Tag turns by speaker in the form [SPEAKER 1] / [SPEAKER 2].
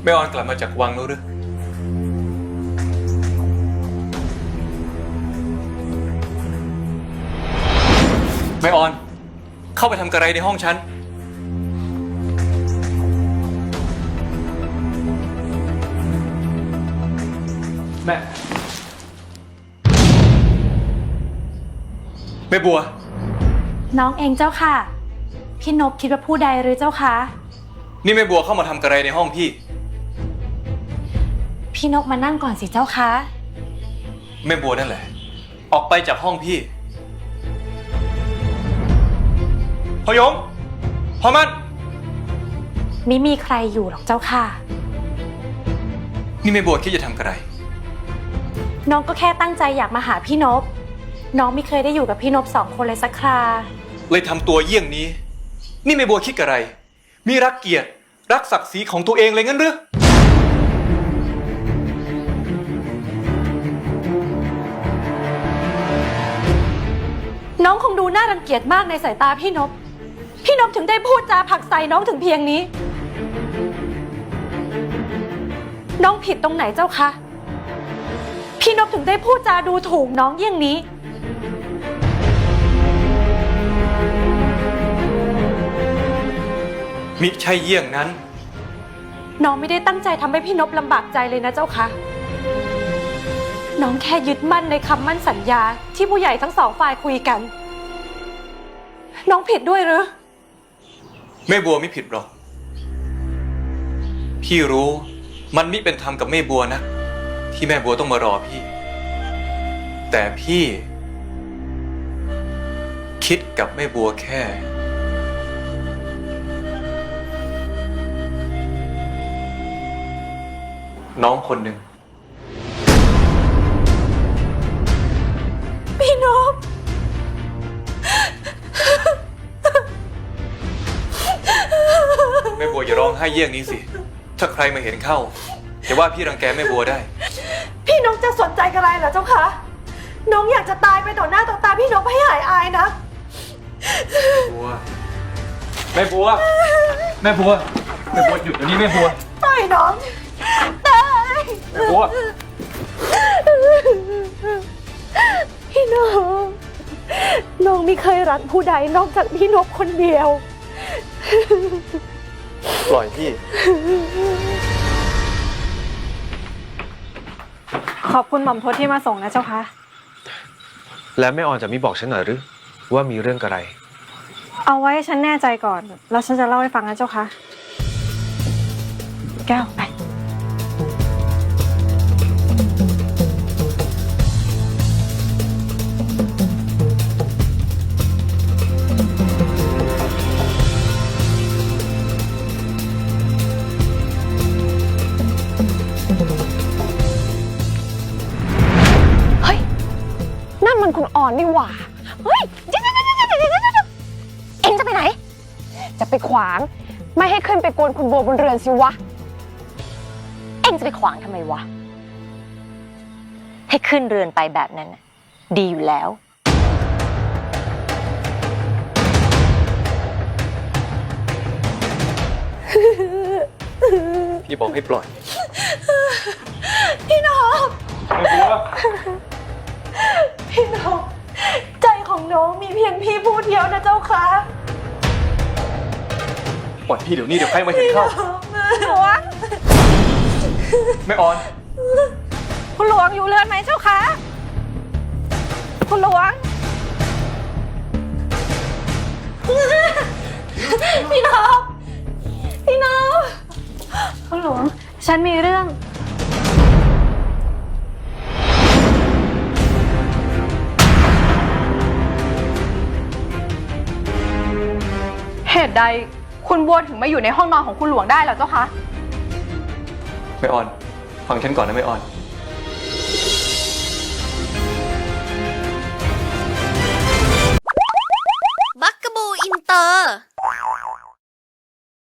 [SPEAKER 1] แม่ออนกลับมาจากวังแล้วหรือแม่ออนเข้าไปทำกระไรในห้องฉันแม่บัว
[SPEAKER 2] น้องเองเจ้าค่ะพี่นพคิดว่าผู้ใดหรือเจ้าคะ
[SPEAKER 1] นี่แม่บัวเข้ามาทำกระไรในห้องพี่
[SPEAKER 2] พี่นพมานั่งก่อนสิเจ้าคะ
[SPEAKER 1] แม่บัวนั่นแหละออกไปจากห้องพี่พยงพอมัน
[SPEAKER 2] ไม่มีใครอยู่หรอกเจ้าค่ะ
[SPEAKER 1] นี่แม่บัวคิดจะทำกระไร
[SPEAKER 2] น้องก็แค่ตั้งใจอยากมาหาพี่นพน้องไม่เคยได้อยู่กับพี่นพ2 คนเลยสักครา
[SPEAKER 1] เลยทำตัวเยี่ยงนี้นี่แม่บัวคิดกระไรมีรักเกียรติรักศักดิ์ศรีของตัวเองเลยงั้นหรือ
[SPEAKER 2] น้องคงดูน่ารังเกียจมากในสายตาพี่นพพี่นพถึงได้พูดจาผลักใส่น้องถึงเพียงนี้น้องผิดตรงไหนเจ้าคะพี่นพถึงได้พูดจาดูถูกน้องเยี่ยงนี้
[SPEAKER 1] มิใช่เยี่ยงนั้น
[SPEAKER 2] น้องไม่ได้ตั้งใจทำให้พี่นพลำบากใจเลยนะเจ้าคะน้องแค่ยึดมั่นในคำมั่นสัญญาที่ผู้ใหญ่ทั้ง2 ฝ่ายคุยกันน้องผิดด้วยหรือ
[SPEAKER 1] แม่บัวไม่ผิดหรอกพี่รู้มันมิเป็นธรรมกับแม่บัวนะที่แม่บัวต้องมารอพี่แต่พี่คิดกับแม่บัวแค่น้องคนหนึ่ง
[SPEAKER 2] พี่นพ
[SPEAKER 1] แม่บัวอย่าร้องไห้เยี่ยงนี้สิถ้าใครมาเห็นเข้าจะว่าพี่รังแกแม่บัวได้
[SPEAKER 2] พี่นพจะสนใจอะไรเหรอเจ้าคะน้องอยากจะตายไปต่อหน้าต่อตาพี่นพให้หายอายนะ
[SPEAKER 1] บัวแม่บัวแม่บัวแม่บัวหยุดเดี๋ยวนี้แม่บัว
[SPEAKER 2] ตายน้องตาย
[SPEAKER 1] แม่บัว
[SPEAKER 2] พี่นพน้องไม่เคยรักผู้ใดนอกจากพี่นพคนเดียว
[SPEAKER 1] ปล่อยพี่
[SPEAKER 2] ขอบคุณหม่อมทศที่มาส่งนะเจ้าคะ
[SPEAKER 3] แล้วแม่ออนจะไม่บอกฉันหน่อยหรือว่ามีเรื่องอะไร
[SPEAKER 2] เอาไว้ฉันแน่ใจก่อนแล้วฉันจะเล่าให้ฟังนะเจ้าคะแก้วไป
[SPEAKER 4] มันคุณอ่อนนี่หว่าเฮ้ยเอ็งจะไปไหนจะไปขวางไม่ให้ขึ้นไปกวนคุณบัวบนเรือนสิวะเอ็งจะไปขวางทำไมวะให้ขึ้นเรือนไปแบบนั้นดีอยู่แล้ว
[SPEAKER 1] พี่บอกให้ปล่อย
[SPEAKER 2] พี่นพ
[SPEAKER 1] แม่บัว
[SPEAKER 2] พี่นพใจของน้องมีเพียงพี่ผู้เดียวนะเจ้าคะ
[SPEAKER 1] ปล่อยพี่เดี๋ยวนี้เดี๋ยวใครมาเห็นเข้า
[SPEAKER 2] หลวง
[SPEAKER 1] แม่ออน
[SPEAKER 2] คุณหลวงอยู่เรือนไหมเจ้าคะคุณหลวงพี่นพพี่นพคุณหลวงฉันมีเรื่อง
[SPEAKER 4] เหตุใดคุณบัวถึงมาอยู่ในห้องนอนของคุณหลวงได้เหรอเจ้าคะ
[SPEAKER 1] แม่ออนฟังฉันก่อนนะแม่ออน
[SPEAKER 5] บักกะบูอินเตอร์